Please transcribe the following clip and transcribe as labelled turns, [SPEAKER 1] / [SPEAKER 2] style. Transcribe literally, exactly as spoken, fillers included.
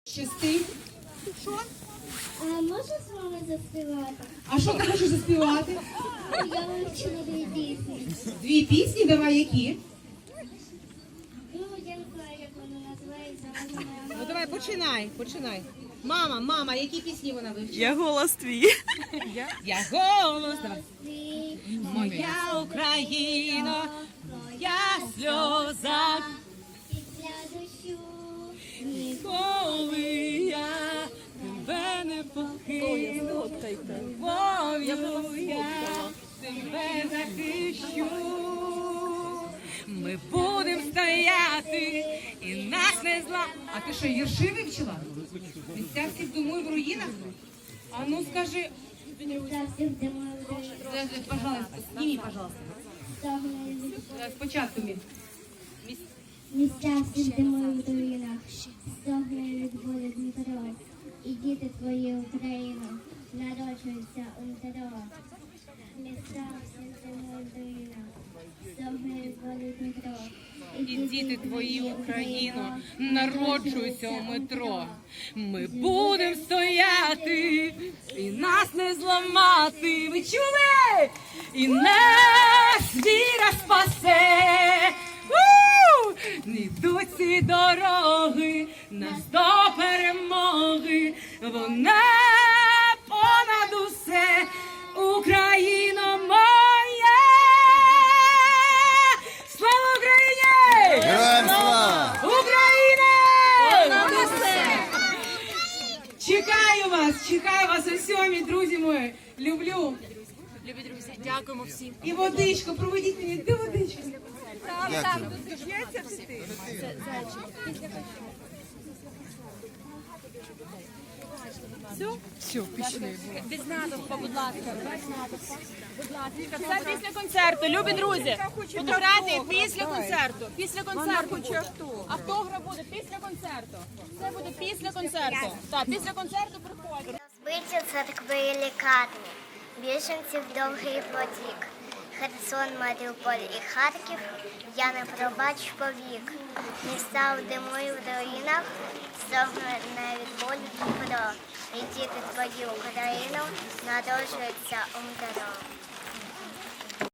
[SPEAKER 1] Щастить. Що?
[SPEAKER 2] А можна з вами заспівати?
[SPEAKER 1] А що ти хочеш заспівати?
[SPEAKER 2] Я вивчила дві пісні.
[SPEAKER 1] Дві пісні, давай які?
[SPEAKER 2] Ну, я не знаю, як вона називається. Вона моя
[SPEAKER 1] Ну давай, починай, починай. Мама, мама, які пісні вона вивчила?
[SPEAKER 3] Я голос твій.
[SPEAKER 1] Я, я голос. Давай.
[SPEAKER 2] Ти,
[SPEAKER 1] Моя Україна, моя сльоза,
[SPEAKER 2] після дощу.
[SPEAKER 1] коли я тебе не покину, любов'ю я тебе захищу. Ми будемо стояти і нас не зла. А ти що, вірші вивчила? Місця всіх думаю в руїнах? А ну скажи,
[SPEAKER 2] Місця всіх зимою вдає.
[SPEAKER 1] е, е, пожалуйста, сними, пожалуйста.
[SPEAKER 2] Стогне від-
[SPEAKER 1] Е, Спочатку мій.
[SPEAKER 2] Місця всіх зимою в руїнах. Стогне від болю Дмитро. І діти твої Україно народжуються у Дмитро. Місця всіх зимою в руїнах. Стогне від болю Дмитро.
[SPEAKER 1] І діти твої, Україно, народжуються у метро. Ми будемо стояти і нас не зламати. Ви чули? І нас віра спасе. У! Не йдуть ці дороги, нас до перемоги. Вона понад усе, Україно моя. Слава Україні!
[SPEAKER 4] Героям слава!
[SPEAKER 1] Україна! Чекаю вас, чекаю вас у сьомій, друзі мої. Люблю.
[SPEAKER 3] Любі друзі, дякуємо всім.
[SPEAKER 1] І водичку, проведіть мені, де водичку?
[SPEAKER 4] Дякую.
[SPEAKER 3] Без натовпа, будь ласка. Без натовпа. Будь ласка. Це після концерту, любі друзі. Фотографії після концерту. Після концерту. Автограф буде після концерту. Це буде після концерту. Так, після концерту приходьте.
[SPEAKER 5] Розбиті церкви і лікарні, біженців довгий потік. Херсон, Маріуполь і Харків я не пробачу повік. Міста в диму і в руїнах, стогне від болю Дніпро. І діти твої Україну народжуються у Дніпро.